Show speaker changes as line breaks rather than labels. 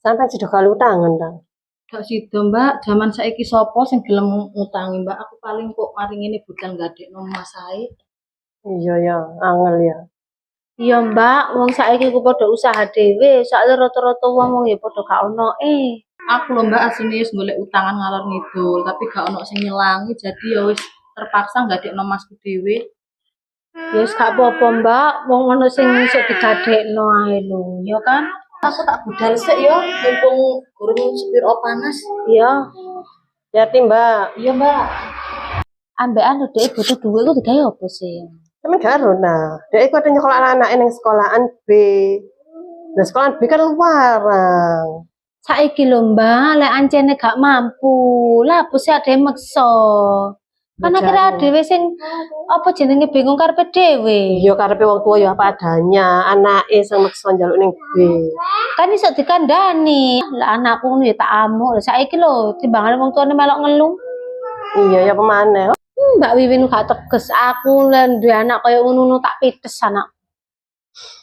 Sampai sudah kalau utangan ta.
Gak sida, Mbak. Zaman saiki sapa sing gelem ngutangi, Mbak? Aku paling kok mari ngene budal gadekno Mas ae.
Iya ya, angel ya.
Iya, Mbak. Wong saiki ku padha usaha dhewe, soalnya rata-rata wong ya padha gak ono. Aku lho, Mbak, asline wis golek utangan ngalor ngidul, tapi gak ono sing nyelangi, jadi ya wis terpaksa gadekno Masku dhewe. Ya wis gak apa-apa, Mbak. Wong ono sing iso digadekno ae lho, ya kan? Aku tak budal sik ya, mumpung gurung sepiro panas. Iya.
Hati Mbak.
Iya, Mbak. Ambekan lho dhek butuh duit ku digawe apa sih?
Temen karo nah. Dek iku ada nyekolah anak ning sekolahan B. Nah, sekolahan B kan larang.
Saiki lho, Mbak, lek ancene gak mampu, lah apa sih ade meksa. Kan akhirnya dhewe sing apa jenenge bingung karepe dhewe.
Iya karepe wong tua ya apa adanya, anake sing maksa njaluk ning B.
Kan iso dikandani. Lah anakku ngono ya tak amuk. Lah saiki lho timbangane wong tuane melok ngeluh.
Iya ya pemane.
Mbak Wiwin gak teges aku lan duwe anak kaya ngono tak pites anak.